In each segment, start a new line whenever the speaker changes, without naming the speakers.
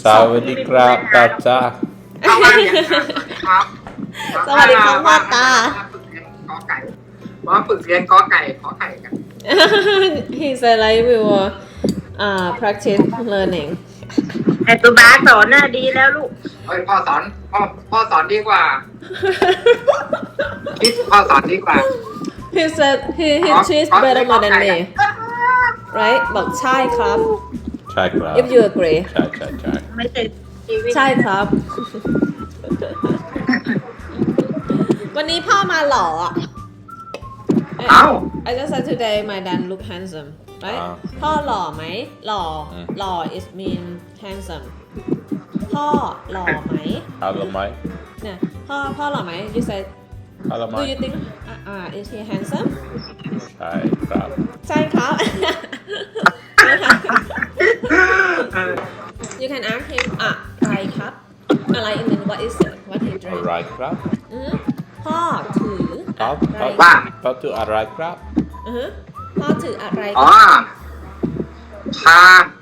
สวัสดีครับตาจ้า
ครับ
สวัสดีครับพ่อตา
มาฝึกเรียนกอไก่ขอไข่กัน
He said I will practice learning
ไอ้ตัวบาสสอนน่ะดีแล้วลูก
เฮ้ยพ่อสอนดีกว่าคิดพ่อสอนดีกว่า
He said he teach better more than me right บอกใช่ครับ
ใช่ครับ
if you agree
ใช่
ไม่ใช่ชีวิต
ใช่ครับ วันนี้พ่อมาหล่ออ่ะ
เอ้า
I just said today my dad look handsome right พ่อหล่อไหมหล่อหล่อ is mean handsome พ่อหล่อไหม
ฮัลโหลไหม
เนี่ยพ่อหล่อไหม you said
ฮัลโหลไหม
do you think is he handsome
ใช่ครับ
ใช่ครับ you can ask him อะไรครับอะไร and then what is it what he
อะ
drink
ไรครับ
พ่อถือ
ครับ
อะไร
ว่า
เขาถืออะไรครับ
พ่อถืออะไร
อ๋อชา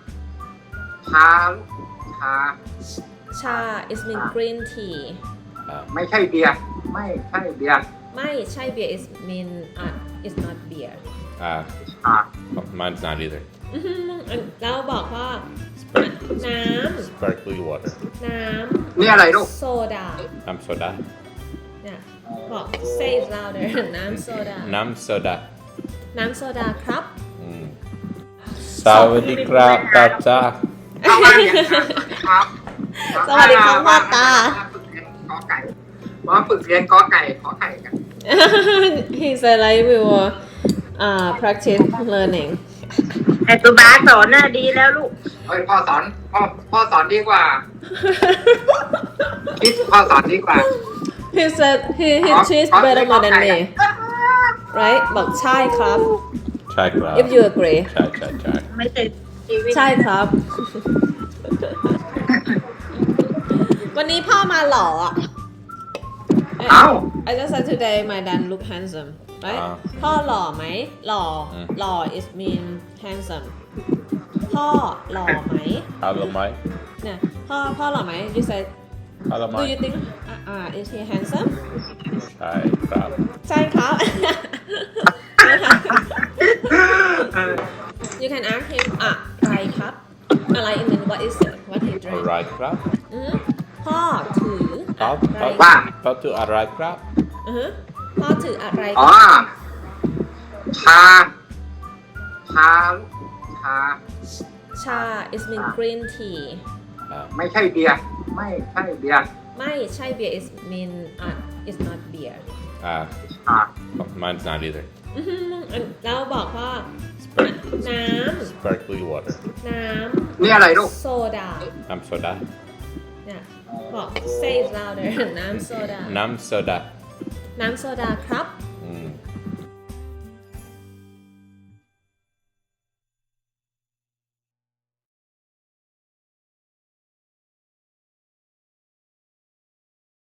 ชา is mean green tea
ไม่ใช่เบียร์ไม่ใช่เบียร์
ไม่ใช่ beer is mean is not beer
อ่า
mine's not either
แล้วบอกว่าน้
sparkling water
ำน้
นี่อะไรลูก
ำโซดา
น้ำโซดา
เนี่ยบอก say it louder น้ำโซดา
น้ำโซดา
น้ำโซดาครับ
สวัสดีครับตาจ้า
เอามาเนี่ยครับ
สวัสดีครับพ่อตา
มาฝึกเรียนกอไก่ขอไข่กัน
He said I will practice learning
ไอ้ตัวบาสสอนน่ะดีแล้วลูก
เฮ้ยพ่อสอนดีกว่าคิดพ่อสอนดีกว่า
He said he teach better more than me right บอกใช่ครับ
ใช่ครับ
if you agree
ใช่
ไม่ใช่ชีวิต
ใช่ครับ วันนี้พ่อมาหล่ออ่ะ
เอ้า
I just said today my dad look handsome right พ่อหล่อไหมหล่อหล่อ is mean handsome พ่อหล่อไหม
ฮัลโหลไหม
เนี่ยพ่อหล่อไหม you said
ฮัลโหลไหม
do you think is he handsome
ใช่ครับ
ใช่ครับ you can ask him อะไรครับอะไร and then what is it what he
อะ
drink
ไรครับ
พ่อถือ
ครับ
อะไร
ว่า
เขาถืออะไรครับ
พ่อถืออะไร
อ๋อชา
ชา is mean green tea
ไม่ใช่เบียร์ไม่ใช่เบียร์
ไม่ใช่ beer is mean is not beer
อ่า
mine's not either
แล้วบอกว่าน้ำ
sparkling water
น้
นี่อะไรลูก
ำโซดา
น้ำโซดา
เนี่ยบอก say it louder น้ำโซดา
น้ำโซดา
น้ำโซดาครับ